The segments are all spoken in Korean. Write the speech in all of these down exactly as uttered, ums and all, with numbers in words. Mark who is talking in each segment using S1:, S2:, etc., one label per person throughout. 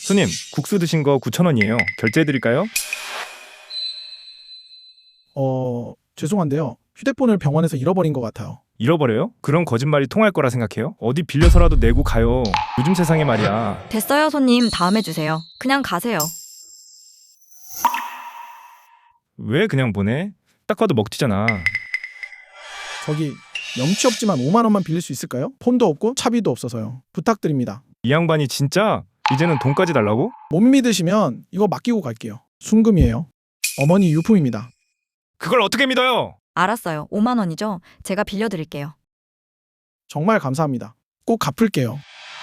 S1: 손님, 국수 드신 거 구천 원이에요. 결제해드릴까요?
S2: 어, 죄송한데요. 휴대폰을 병원에서 잃어버린 것 같아요.
S1: 잃어버려요? 그런 거짓말이 통할 거라 생각해요? 어디 빌려서라도 내고 가요. 요즘 세상에 말이야.
S3: 됐어요, 손님. 다음에 주세요. 그냥 가세요.
S1: 왜 그냥 보내? 딱 봐도 먹튀잖아.
S2: 저기 염치 없지만 오만 원만 빌릴 수 있을까요? 폰도 없고 차비도 없어서요. 부탁드립니다.
S1: 이 양반이 진짜 이제는 돈까지 달라고?
S2: 못 믿으시면 이거 맡기고 갈게요. 순금이에요. 어머니 유품입니다.
S1: 그걸 어떻게 믿어요?
S3: 알았어요. 오만 원이죠? 제가 빌려드릴게요.
S2: 정말 감사합니다. 꼭 갚을게요.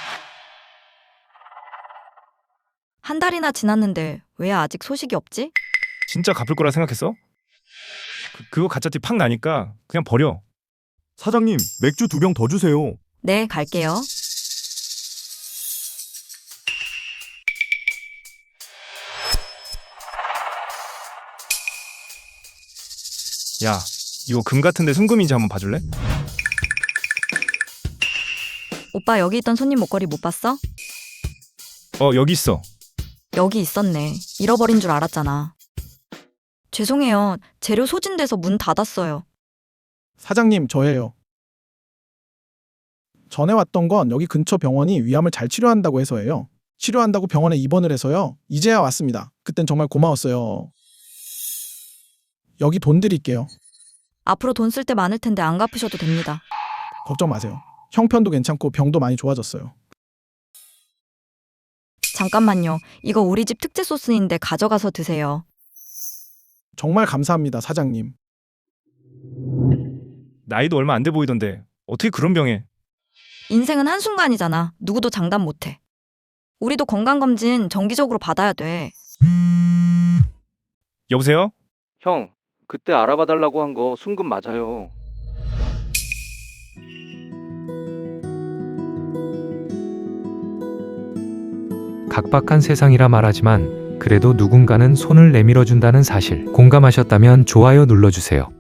S3: 한 달이나 지났는데 왜 아직 소식이 없지?
S1: 진짜 갚을 거라 생각했어? 그, 그거 가짜티 팍 나니까 그냥 버려.
S4: 사장님, 맥주 두 병 더 주세요.
S3: 네, 갈게요.
S1: 야, 이거 금 같은데 순금인지 한번 봐줄래?
S3: 오빠 여기 있던 손님 목걸이 못 봤어?
S1: 어, 여기 있어.
S3: 여기 있었네. 잃어버린 줄 알았잖아. 죄송해요. 재료 소진돼서 문 닫았어요.
S2: 사장님, 저예요. 전에 왔던 건 여기 근처 병원이 위암을 잘 치료한다고 해서예요. 치료한다고 병원에 입원을 해서요. 이제야 왔습니다. 그땐 정말 고마웠어요. 여기 돈 드릴게요.
S3: 앞으로 돈 쓸 때 많을 텐데 안 갚으셔도 됩니다.
S2: 걱정 마세요. 형편도 괜찮고 병도 많이 좋아졌어요.
S3: 잠깐만요. 이거 우리 집 특제 소스인데 가져가서 드세요.
S2: 정말 감사합니다, 사장님.
S1: 나이도 얼마 안 돼 보이던데 어떻게 그런 병에.
S3: 인생은 한순간이잖아. 누구도 장담 못해. 우리도 건강검진 정기적으로 받아야 돼.
S1: 여보세요?
S5: 형, 그때 알아봐 달라고 한 거 순금 맞아요.
S6: 각박한 세상이라 말하지만 그래도 누군가는 손을 내밀어 준다는 사실 공감하셨다면 좋아요 눌러주세요.